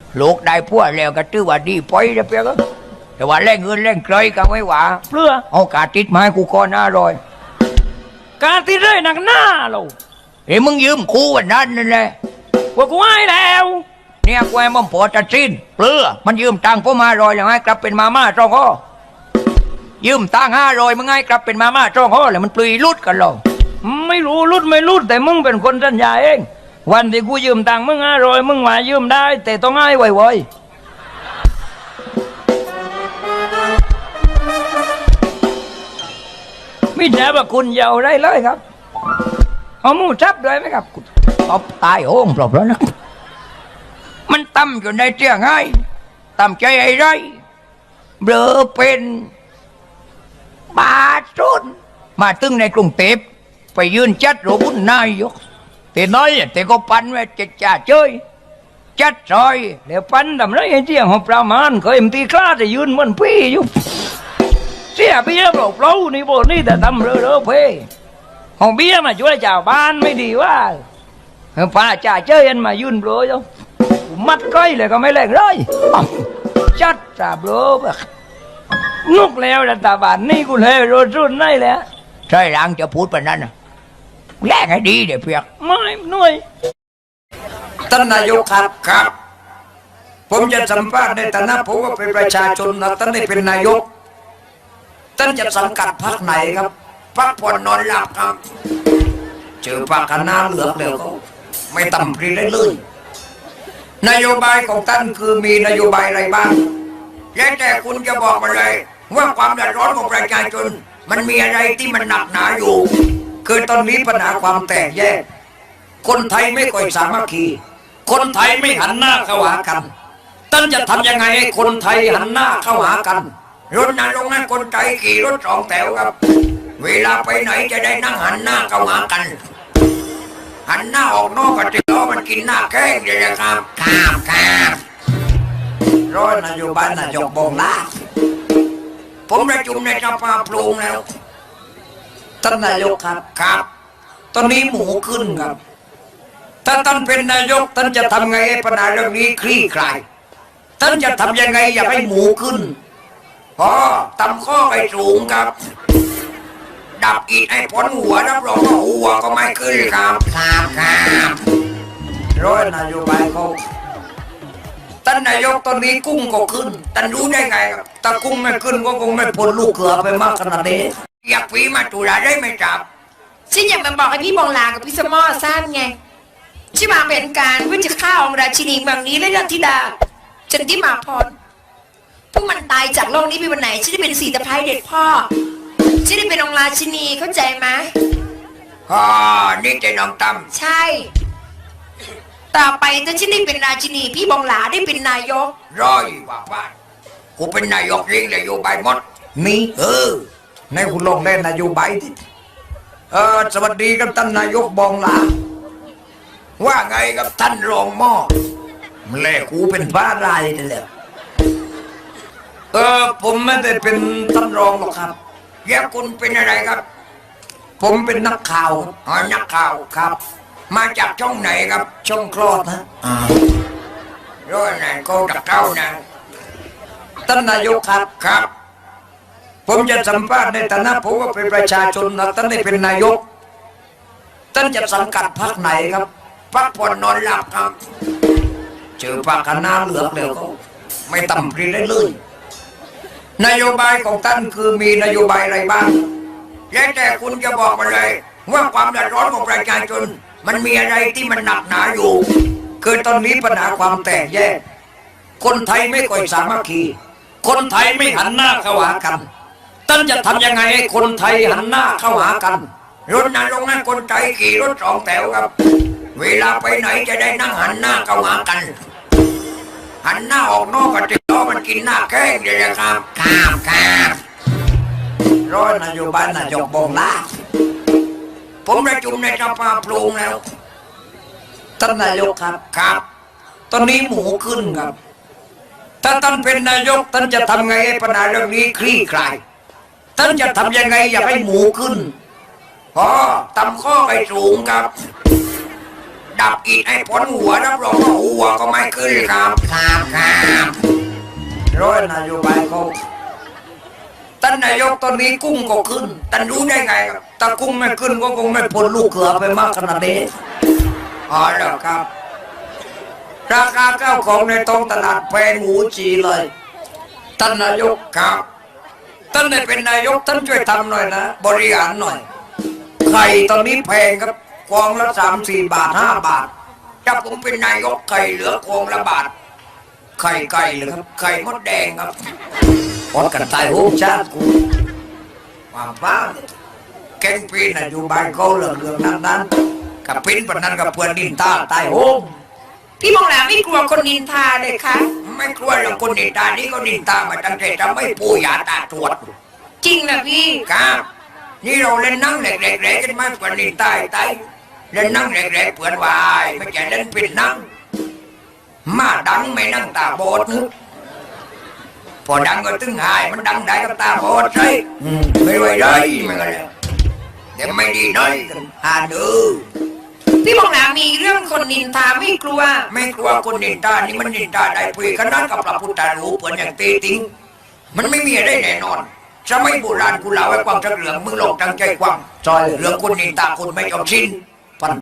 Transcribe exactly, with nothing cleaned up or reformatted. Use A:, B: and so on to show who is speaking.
A: ลูกได้พวกแล้วก็ตื้อว่าดีปอยจะเปียกแต่ว่าแรงเงินแรงเคยก็ไม่หวาเพื่อเอากาติดไม้กูก่อนหน้ารอยกาติดเลยหนักหน้าเราเฮ้ยมึงยืมกูวันนั้นนั่นแหละว่ากูให้แล้วเนี่ยกูให้มันพอจะสิ้นเปลือมันยืมตังค์พ่อมารอยแล้วให้กลับเป็นมาม่าจ้องข้อยืมตังค์ห้ารอยมึงให้กลับเป็นมาม่าจ้องข้อแล้วมันปลุยลุดกันหรอไม่รู้ลุดไม่ลุดแต่มึงเป็นคนสัญญาเองวันที่กูยืมตังค์มึงห้ารอยมึงมายืมได้แต่ต้องให้ไวๆไม่ใช่ว่าคุณเยาได้เลยครับเอามูทับด้วยไหมครับตบตายโอ่งปลอบแล้วนะมันตั้มอยู่ในเตียงไงตั้มใจไอ้ไรเบลอเป็นบาสุนมาตึงในกรุงเทพไปยืนจัดโรบุญนายกแต่น้อยแต่ก็ปันไว้จะจ่าเจยจัดซอยแล้วปันทำไรไอ้เตียงของประมาณเคยมันตีคลาจะยืนมันพี่อยู่เสียเบี้ยเปล่าเปล่านี่โบนี่แต่ทำเรื่อๆเพ่ของเบี้ยมาช่วยเจ้าบ้านไม่ดีว่าป้าจ่าเจยันมายืนเปล่าจ้ะมัดก้อยเลยก็ไม่แรงเลยจัดจ่าเปล่าแบบนุกแล้วแต่ตาบ้านนี่กูเลยโรจุนได้แล้วใช่ร่างจะพูดแบบนั้นนะแรงให้ดีเดี๋ยวเพียกไม่หน่วยท่านนายกครับครับผมจะสัมภาษณ์ในฐานะผมว่าเป็นประชาชนนะท่านได้เป็นนายกท่านจะสังกัดพรรคไหนครับพรรคผ่อนนอนหลับครับเจอพรรคคณะเหลือกแล้วก็ไม่ต่ำปรีได้เลยนโยบายของท่านคือมีนโยบายอะไรบ้างแล้วแต่คุณจะบอกมาเลยว่าความเดือดร้อนของประชาชนมันมีอะไรที่มันหนักหนาอยู่คือตอนนี้ปัญหาความแตกแยกคนไทยไม่ค่อยสามัคคีคนไทยไม่หันหน้าเข้าหากันท่านจะทำยังไงให้คนไทยหันหน้าเข้าหากันรถนั้นลงนั้นคนไทยขี่รถสองแถวครับเวลาไปไหนจะได้นั่งหันหน้าเข้าหากันหันหน้าออกนอกกระติกล้อมันกินหน้าแข้งเลยนะครับครับครับร้อยนโยบายนายกบงลาผมประชุมในสภาปรุงแล้วท่านนายกครับครับตอนนี้หมูขึ้นครับถ้าท่านเป็นนายกท่านจะทำไงให้ปัญหาเรื่องนี้คลี่คลายท่านจะทำยังไงอย่าให้หมูขึ้นพอตำข้อไปสูงครับดับอีกให้พ้นหัวรับรองว่าหัวก็ไม่ขึ้นครับครับครับร้อยนโยบายเขาท่านนายกตอนนี้กุ้งก็ขึ้นท่านรู้ได้ไงครับถ้ากุ้งไม่ขึ้นก็คงไม่พ้นลูกเขือไปมากขนาดนี้อยากปีมาตุลาได้ไหมครับ
B: ฉันอยากมาบอกให้พี่บองลากับพี่สมอสั้นไงที่วางแผนการเพื่อจะฆ่าองค์ราชินีเมืองนี้และรัตธิดาจันทิมาพรพวกมันตายจากโลกนี้ไปวันไหนฉันได้เป็นสีตะไคร้เด็ดพ่อฉันได้เป็นองค์ราชินีเข้าใจไหม
A: อ๋อนี่จะน้องตั้ม
B: ใช่ต่อไปถ้าฉันได้เป็นราชินีพี่บองหลาได้เป็นนายก
A: ร้อยว่าว่ากูเป็นนายกเร่งนโยบายหมดนี่เออในคุณลงเล่นนโยบายที่เออสวัสดีครับท่านนายกบองหลาว่าไงกับท่านรองหม้อแล่กูเป็นบ้าลายนี่แหละเออผมไม่ได้เป็นท่านรองหรอกครับแยกคุณเป็นอะไรครับผมเป็นนักข่าวอ๋อนักข่าวครับมาจากช่องไหนครับช่องคลอดนะอ่าร้อยไหนก็ดักเก้านะท่านนายกครับครับผมจะสัมภาษณ์ในฐานะผมว่าเป็นประชาชนนะท่านได้เป็นนายกท่านจะสังกัดพรรคไหนครับพรรคผ่อนนอนหลับครับเจอพรรคคณะเหลือกแล้วก็ไม่ต่ำปรีได้เลยนโยบายของท่านคือมีนโยบายอะไรบ้างแล้วแต่คุณจะบอกมาเลยว่าความเดือดร้อนของประชาชนมันมีอะไรที่มันหนักหนาอยู่คือตอนนี้ปัญหาความแตกแยกคนไทยไม่ค่อยสามัคคีคนไทยไม่หันหน้าเข้าหากันท่านจะทำยังไงให้คนไทยหันหน้าเข้าหากันรถนั้นลงนั้นคนไทยขี่รถสองแถวครับเวลาไปไหนจะได้นั่งหันหน้าเข้าหากันหันหน้าออกนอกกระติกล้อมันกินหน้าแข้งเลยนะครับครับครับร้อยนโยบายนายกบงลาผมประชุมในสภาปรุงแล้วท่านนายกครับครับตอนนี้หมูขึ้นครับถ้าท่านเป็นนายกท่านจะทำไงให้ปัญหาเรื่องนี้คลี่คลายท่านจะทำยังไงอย่าให้หมูขึ้นพอตำข้อไปสูงครับดับอีกไอ้พ้นหัวรับรองว่าหัวก็ไม่ขึ้นครับครับครับร้อยนโยบายเขาท่านนายกตอนนี้กุ้งก็ขึ้นท่านรู้ได้ไงครับถ้ากุ้งไม่ขึ้นก็คงไม่พ้นลูกเขือไปมากขนาดนี้อ๋อแล้วครับราคาข้าวของในท้องตลาดแพงหูจีเลยท่านนายกครับท่านได้เป็นนายกท่านช่วยทำหน่อยนะบริหารหน่อยไข่ตอนนี้แพงครับกองละสามสี่บาทห้าบาทถ้าผมเป็นนายกไข่เหลือกองละบาทไข่ไก่เหรือครับไข่มดแดงครับพอดกันตายโหงชาติกูความบ้าแกงปีนอยู่บ้านเขาเหลืองเหลืองนั้นนั้นกับปิ้นปนนั้นกับเพื่อนดินตาตายโหง
B: พี่มองหลาไม่กลัวคนนินทาเลยคะ
A: ไม่กลัวหรอกคนนินตานี่ก็นินตามาตั้งแต่จะไม่ปูยาตาตรวจ
B: จริงนะพี่
A: ครับนี่เราเล่นนั่งเล็กๆๆกันมากกว่านินตาไตเล่นนั่งเล็กๆเพื่อนวายไม่ใช่เล่นปิดนั่งมาดังไม่นั่งตาบอดนึกพอดังก็ตึงหายมันดังได้กับตาบอดใช่ไม่ไหวเลยมันก็เลยเดี๋ยวไม่ดีน้อยกันหาดู
B: พี่มองหลามีเรื่องคนนินทาไม่กลัว
A: ไม่กลัวคนนินตานี่มันนินตาได้ปุยขนาดกับพระพุทธรูปเพื่อนอย่างเตติงมันไม่มีอะไรแน่นอนสมัยโบราณกูเล่าไว้ความจักเหลืองมึงหลอกตั้งใจความจอยเหลืองคนนินตาคนไม่ยอมสิ้น